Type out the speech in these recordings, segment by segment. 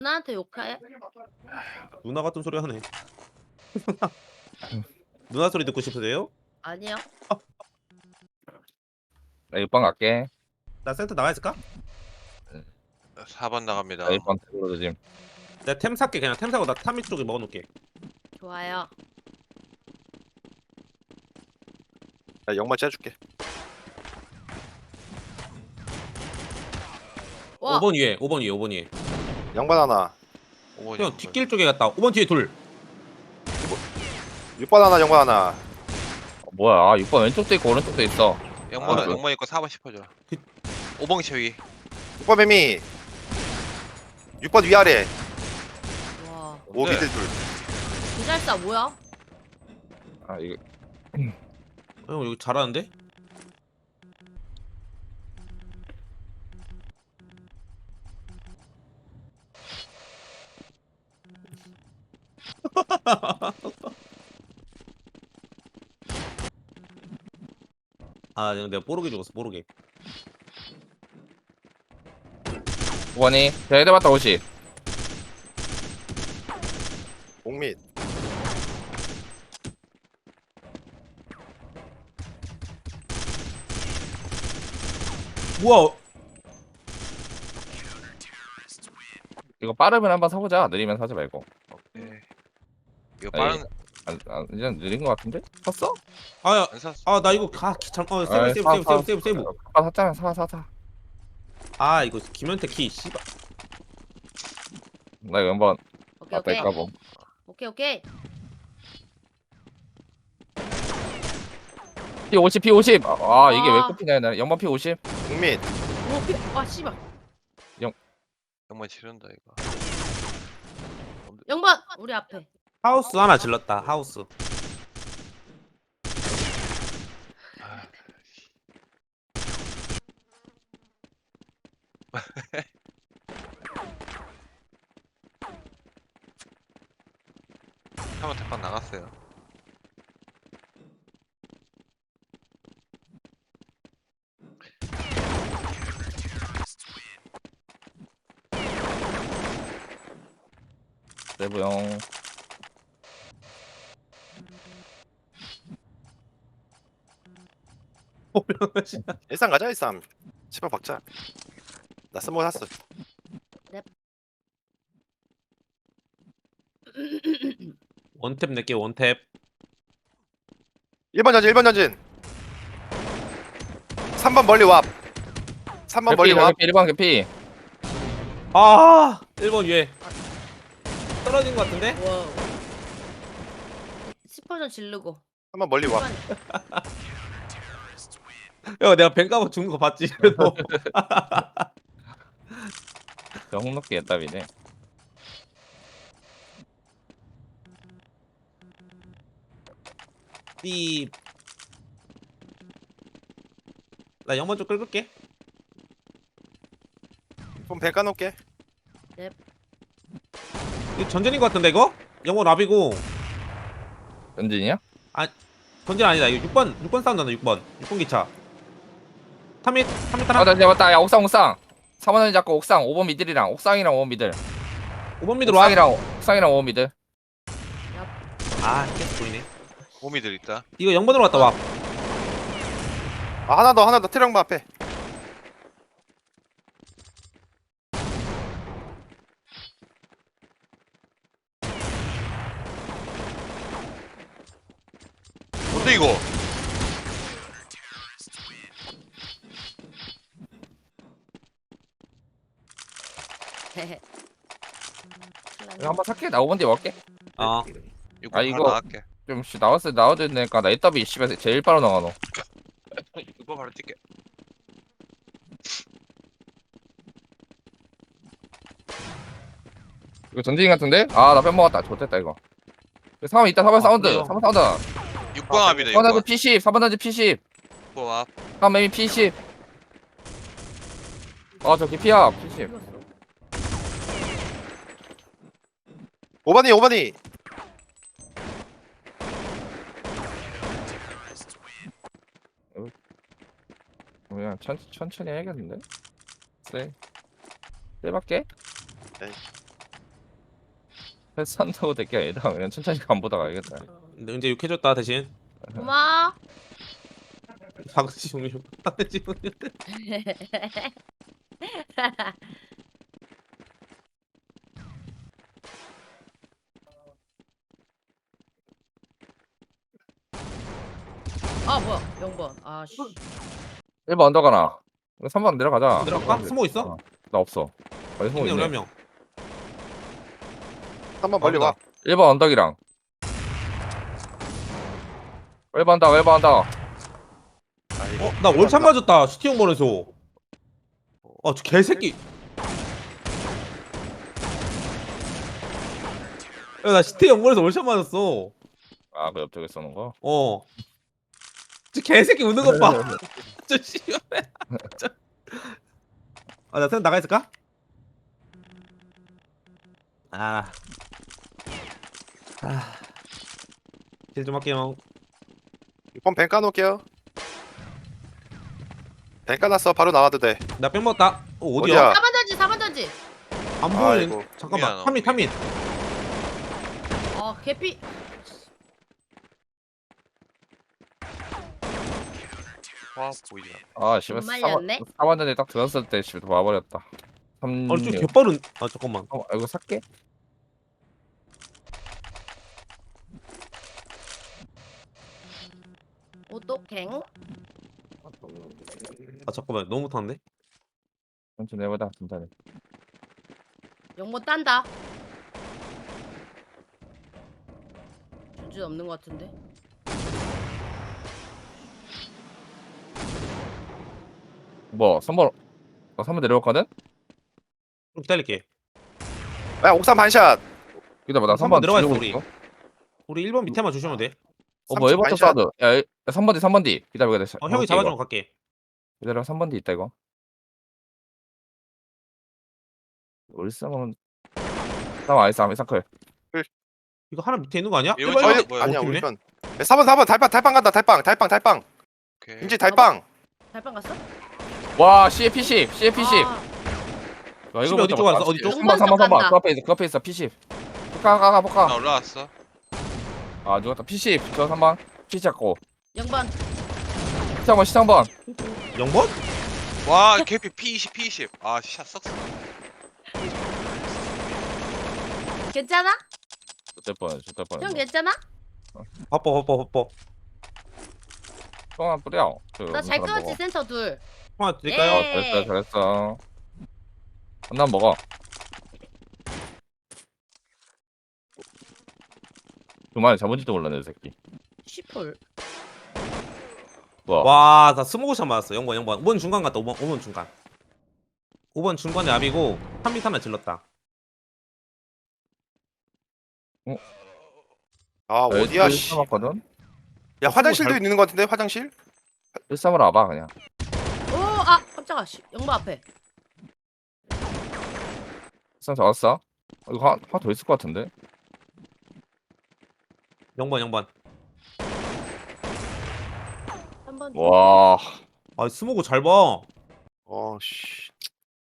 누나한테 욕해? 누나 같은 소리 하네. 누나 소리 듣고 싶으세요? 아니요. 나 6번 갈게. 나 센터 나가 있을까? 4번 나 나갑니다. 1번 들어도 지금. 내가 템 살게. 그냥 템 사고 나 타미 쪽에 먹어놓을게. 좋아요. 나 영마 째줄게. 와. 5번 위에 5번 위에 5번 위에. 양반 하나. 5번이 형 뒷길 쪽에 갔다. 5번 뒤에 둘. 6번 하나, 영반 하나. 뭐야? 아, 6번 왼쪽도 있고 오른쪽도 있어. 영번은 아, 그- 영번이 거 4번 씹어줘. 그- 5번 최위. 6번 매미. 6번 위아래. 와. 5 네. 미들 둘. 기잘싸 뭐야? 아, 이거 형 여기 잘하는데? 아 내가 뽀르게 죽었어 뽀르게. 5번이 대대 맞다 50. 옥밑. 뭐야? 이거 빠르면 한번 사보자. 느리면 사지 말고. 네. 이거 아이, 빠른 이제 느린 거 같은데? 샀어? 아야. 안 샀어. 아 나 이거 잠깐 세이브 아이, 세이브 사, 세이브 사. 세이브 세이브. 아, 샀잖아. 사. 아 이거 김현태 키 씨발. 나 이거 한번 오케이 앞에 오케이. 까고. 오케이. P50 P50. 아, 이게 왜 와. 꼽히냐? 나 영번 P50. 옥밑. 오케이. 아 씨발. 영번 치른다 이거. 0번 우리 앞에. 하우스 하나 질렀다. 하우스. 아, 한번 대판 나갔어요. 내부형. 일산 가자, 일산. 10번 박자. 나 스모 샀어. 원탭 낼게 원탭. 1번 전진, 1번 전진. 3번 멀리 와. 3번 멀리 와. 1번 개피. 아 1번 위에. 떨어진 것 같은데? 와. 10% 지르고. 3번 멀리 와. 1번. 야 내가 뱅가고 죽는 거 봤지? 그래도. 홍록기 애답이네. 삐. 나 영번 좀 끌을게. 그럼 배 까놓을게. 이거 전전인 것 같은데 이거? 영번 랍이고. 전진이야? 전전 아니다. 이거 6번 싸움 나다 6번 기차. 3미 아, 하나. 나 맞다. 야, 옥상. 3번은 잡고 옥상. 5번 미들이랑 옥상이랑 5번 미들. 5번 미드로 와. 옥상이랑 5번 미들. 아 계속 보이네. 오미들 있다. 이거 0번으로 왔다 와. 아, 하나 더. 트렁바 앞에. 뭔데 이거? 헤헤. 이거 한번 살게. 나 5번 뒤에 먹을게. 어. 6번 아, 이거- 바로 나갈게. 좀 나와도 되니까 나 애답이 씨발 제일 빠르 나가 너. 6번 바로 뛸게. 이거 전진 같은데? 아, 나 뺀먹었다. 좋됐다 이거. 3번 있다. 4번 사운드. 그래요? 3번 사운드. 6번 앞이다 4번 던지 6번. P10. 4번 던지 P10. 6번 앞. 3번 매미 P10. 저 개피야. P10. 5번이. 그냥 천천히 해야겠는데? 네. 네 밖에? 네. 패스한다고 될 게 아니다. 그냥 천천히 간보다 가야겠다. 근데 이제 욕해줬다 대신. 고마워. 사그지 종류. 사그지 종류. 아 뭐야 0번. 아씨. 1번 언더 가나. 3번 내려가자. 내려갈까? 스모 있어? 어, 나 없어. 여기 스모 있네 우리 한 있네. 명. 한번 멀리 와. 1번 언덕이랑. 1번 언덕 1번 언덕. 아이고. 나 월참 맞았다 슈팅원에서. 아 저 개새끼. 야나 슈팅원에서 월참 맞았어. 아, 그 옆쪽에 쏘는 거. 어. 저 개새끼 우는 것 봐. 저 씨발. 아나 생각 나가 있을까? 아. 아. 딜좀 할게요. 6번 뱅 까놓을게요. 뱅 까놨어. 바로 나와도 돼. 나뺑 먹었다. 어디야? 어디야? 4번 던지 4번 던지. 안 보이는. 아이고. 잠깐만. 미안, 타민 타민. 개피. 와 보이지 않아. 아, 씨발. 좀 말렸네? 4번 전에 딱 들었을 때 씨발 와버렸다. 3. 아니 좀 개빠른. 아 잠깐만. 이거 살게. 오또갱. 아 잠깐만 너무 못하는데? 천천히 해보자. 천천히. 0번 딴다. 준준 없는 것 같은데. 뭐 3번 3번 내려왔거든? 좀 기다릴게. 야 옥상 반샷. 기다려 나 3번 3번 내려가 있어 지르고 우리. 있어. 우리 1번 밑에만 주시면 돼. 뭐 3층 1번 쪽 반샷. 사드. 야 3번 뒤 3번 뒤. 기다려 기다려. 형이 잡아주면 갈게. 기다려 3번 뒤 있다 이거. 우리 싸움은 싸움 아이스 아미 사클. 이거 하나 밑에 있는 거 아니야? 이거 일반 저기 일반- 뭐야? 아니야 어, 우리 좋네. 편. 4번 달빵 간다. 달빵. 오케이. 인지 달빵. 달빵 갔어? 와 CA P10 CA P10. 아, 야, 집에 어디 쪽 왔어? 어디 쪽? 3번 3번 3번 그 앞에 있어 그 앞에 있어 P10. 가가 나 볼까? 올라왔어. 아 누웠다 P10 저 3번 P10 잡고 0번. 시장번 시장번 0번? 와 개피 P20 P20. 아샷 썩. 괜찮아? 좋될 뻔 형 괜찮아? 바빠. 똥안 뿌려 나 잘 끊었지 센터 둘. 하나 드릴까요? 예. 잘했어 난 먹어 그만에 잡은지도 몰랐네 이 새끼 시폴. 뭐야 와, 나 스모그샷 맞았어. 0번. 5번 중간 갔다. 5번 중간. 5번 중간에 압이고 3m 하나 질렀다. 아 어디야 씨. 1 3왔거든 야 화장실도 있는 것 같은데 화장실? 1 3으로 와봐 그냥 깜짝아. 0번 앞에. 1 3 잡았어 이거 하나 더 있을 것 같은데 0번. 3번. 와 아, 스모그 잘 봐. 씨.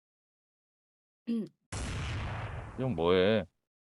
이건 뭐해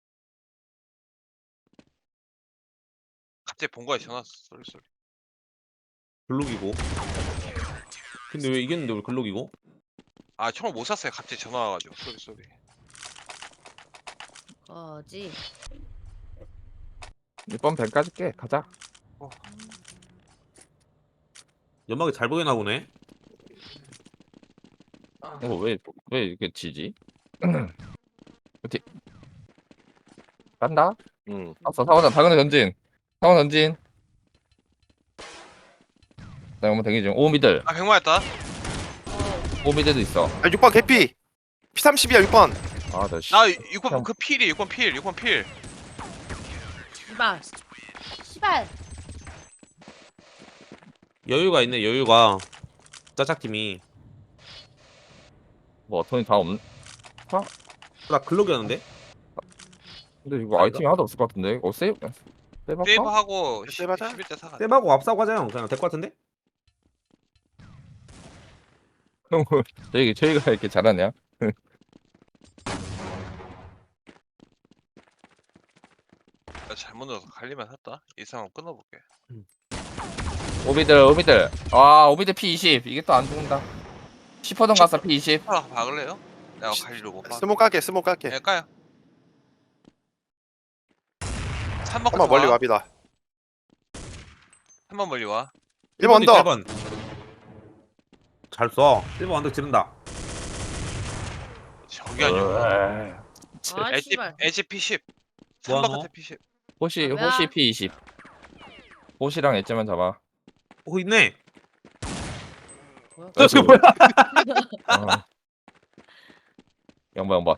갑자기 본 거야 전화 소리. 글록이고. 근데 왜 이겼는데 왜 글록이고? 아 총을 못 쐈어요. 갑자기 전화 와가지고 소리. 거지. 이번 밴 까줄게 가자 연막이 잘 보이나 보네. 이거 왜 이렇게 지지? 어디 간다? 응. 왔어 4번전 당근에 전진 4번 전진 나 한번 대기 중 5 미들 아 100만했다. 5 미들도 있어 6번 개피. P30이야 6번. 아나 씨. 나 6번 그 필이 6번 필. 시발. 여유가 있네. 여유가. 짜짝팀이. 뭐 어턴이 다 없는 나 글록이었는데. 근데 이거 아이템이 하나도 없을 것 같은데 세이브 할까? 세이브하고 세이브하자. 11대 4가. 쌤하고 앞사고 하자 형. 그냥 될 것 같은데? 저희가 이렇게 잘하냐 나 잘못 넣어서 갈리면 샀다. 이 상황 끊어볼게. 오미들. 아, 오미들 P20. 이게 또 안 죽는다. 10호던 갔어, P20. 하나 박을래요? 내가 갈리로 못 박. 스모 깔게 스모 깔게. 네, 까요. 3번 한번 멀리 와비다. 3번 멀리 와. 1번 언더. 1번. 잘 써. 1번 언덕 지른다. 저기 아니야. 아 씨발. 에지 P10. 뭐 3번 하노? 끝에 P10. 호시 뭐야? P20. 호시랑 엣지만 잡아. 오 있네. 뭐야? 저 뭐야? 영번.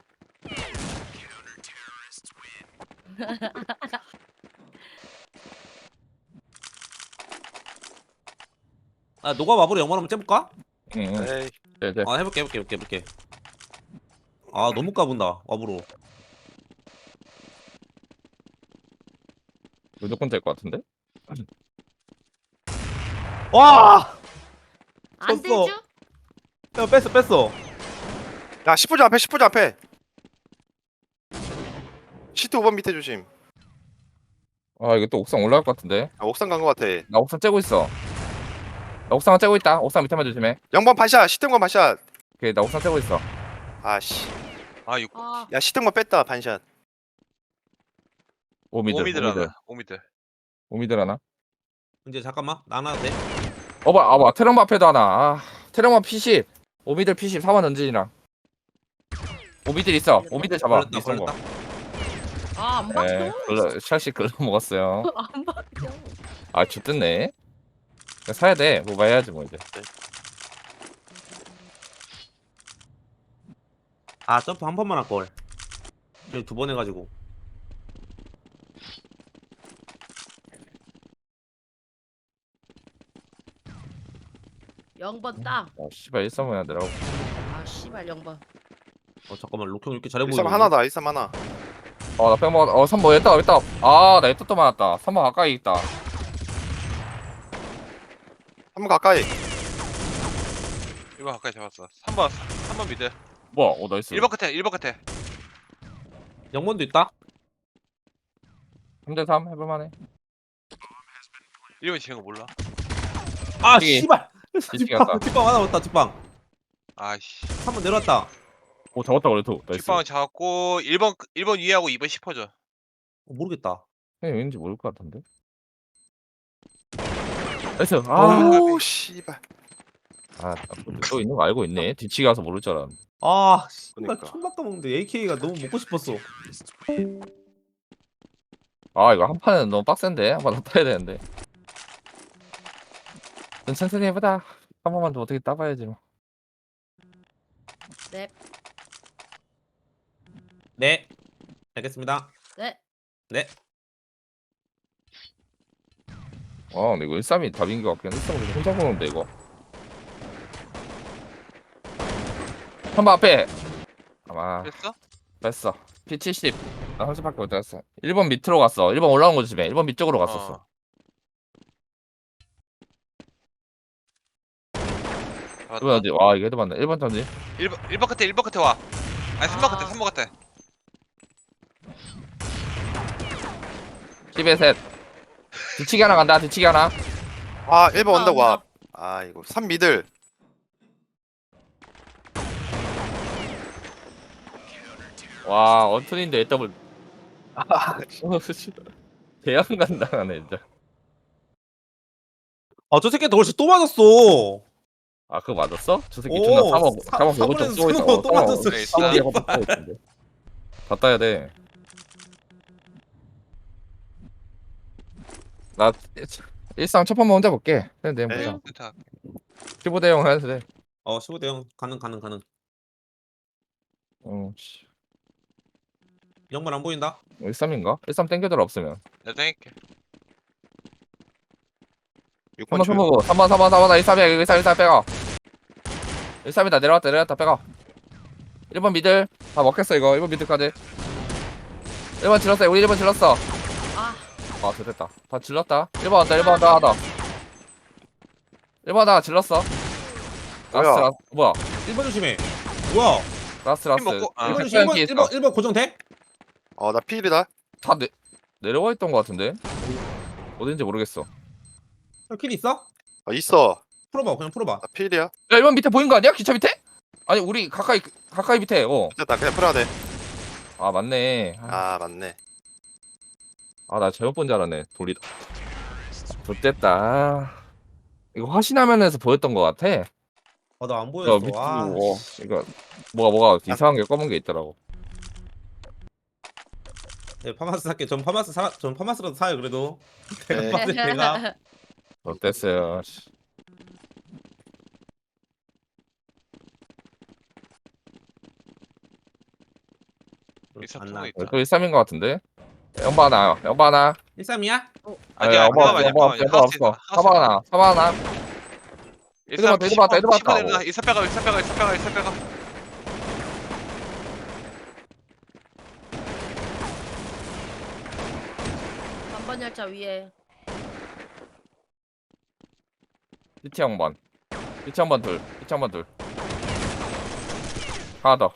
아 노가 마블에 영원 한번 째볼까? 응. 에이. 네. 아 해볼게. 아 너무 까분다 와브로. 무조건 될 것 같은데? 와. 안 쳤어. 되죠? 야 뺐어. 야 10분 앞에 10분 앞에. 시트 5번 밑에 조심. 아, 이거 또 옥상 올라갈 것 같은데? 아, 옥상 간 거 같아. 나 옥상 째고 있어. 나 옥상 째고 있다. 옥상 밑에만 조심해. 0번 반샷 시트건 반샷. 오케이, 나 옥상 째고 있어. 아씨. 아 6. 아 야 시트건 뺐다 반샷. 오미들 하나. 오미들. 오미들 하나. 이제 잠깐만 나눠도 돼? 봐. 테랑마 앞에도 하나. 아, 테랑마 P10. 오미들 P10. 4번 던진이랑. 오미들 있어. 오미들 잡아. 걸렸다. 있는 거. 안 네, 바뀌어. 샬씨 글러 먹었어요. 안 바뀌어. 아, 좋댔네. 사야 돼. 뭐 해야지 뭐 이제. 아 점프 한 번만 할 걸. 이거 2번 해가지고. 영번 따. 아, 씨발 1-3 해야 되라고. 아 씨발 0번. 잠깐만 록형 이렇게 잘해 1삼 보이네. 하나다 1삼 하나. 나 뺑 먹었다. 3번 했다. 아, 나 했다 또 맞았다. 3번 가까이 있다. 한 번 가까이. 1번 가까이 잡았어. 3번 미드. 뭐야? 나이스. 1번 끝에. 영번도 있다. 3대3 해볼만해. 1번 지는 거 몰라. 아 뒤에. 씨발. 뒤치기 갔다. 뒷방 하나 왔다 뒷방. 아씨. 3번 내려왔다. 오, 잡았다 그래도. 나이스. 뒷방은 잡았고 1번 위하고 2번 10호죠. 모르겠다. 그냥 왠지 모를 것 같은데. 나이스. 아, 오 씨발. 또 있는 거 알고 있네. 뒤치기 가서 모를 줄 알았는데. 아 씨발 그러니까. 총박도 먹는데 AK가 너무 먹고 싶었어. 아, 이거 한 판은 너무 빡센데. 한 판 더 타야 되는데. 좀 천천히 해보자. 한 번만 더 어떻게 따봐야지 뭐. 네. 네. 알겠습니다. 네. 네. 근데 이거 1-3이 답인 것 같긴 해. 1-3은 혼자 보는데 이거. 3번 앞에. 아마 됐어? 뺐어. P70. 나 혼자밖에 못 갔어. 1번 밑으로 갔어. 1번 올라온 거 조심해. 1번 밑쪽으로 갔었어. 잡았다. 1번 어디? 와, 이거 해도 맞네. 1번 던지. 1번 끝에 와. 아니 3번 끝에. 10에 셋. 뒤치기 하나 간다. 뒤치기 하나. 아 1번 언더 와. 아 이거 3 미들. 와, 언툰인데 더블. 대양 간다네 진짜. 아저 새끼 너 또 맞았어. 아, 그거 맞았어? 저 새끼 오, 존나 3번 사- 4번 보고 좀 사번에서 쏘고 있어. 쓰는 거또 맞았어, 씨. 3번 뒤에 한번 쏘고 있던데. 다 따야 돼. 나 1상 첫 번만 혼자 볼게. 근데 네. 보자. 센터. 15대 0 해도 돼. 15대 0 가능. 씨. 영번 안 보인다. 13인가? 13 땡겨들 없으면. 내가 땡길게. 6번 3번 줄. 3번 13이야. 13 빼가. 13이다. 내려왔다 빼가. 1번 미들 다 먹겠어 이거. 1번 미들까지. 1번 질렀어. 우리 1번 질렀어. 아 됐다. 다 질렀다. 1번 한다. 1번 한다. 하다. 1번 하다가 질렀어. 뭐야? 뭐야? 1번 조심해. 뭐야? 라스. 먹고- 아. 1번 백 조심. 기 1번 고정돼? 어나 필이다. 다 내. 내려와 있던 것 같은데 어딘지 모르겠어. 킬 있어? 있어. 풀어봐 그냥 풀어봐. 나 필이야. 야 1번 밑에 보인 거 아니야? 기차 밑에? 아니 우리 가까이 밑에. 됐다. 그냥 풀어야 돼. 아 맞네. 맞네. 나 잘못 본 줄 알았네. 돌리다. 좋됐다. 이거 화신화면에서 보였던 것 같아. 나 안 야 보였어. 밑에 아, 이거 뭐가 이상한 게 검은 게 있더라고. 네, 파마스 살게. 전 파마스라도 사요 그래도. 네. 내가 봤을 때 내가 어땠어요? 일산 안 통에 나. 있다. 또 13인 것 같은데. 영바 하나. 13이야? 아니 아니야, 영바 잠깐만요, 없어. 잠깐만요. 사바 하나. 일산 애들 봤다. 10번 일산 빼가 일산 빼가. 3번 열차 위에. 피치 형반 둘. 하나 더.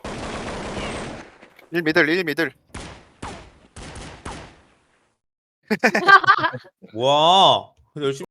1 미들. 와. 열심히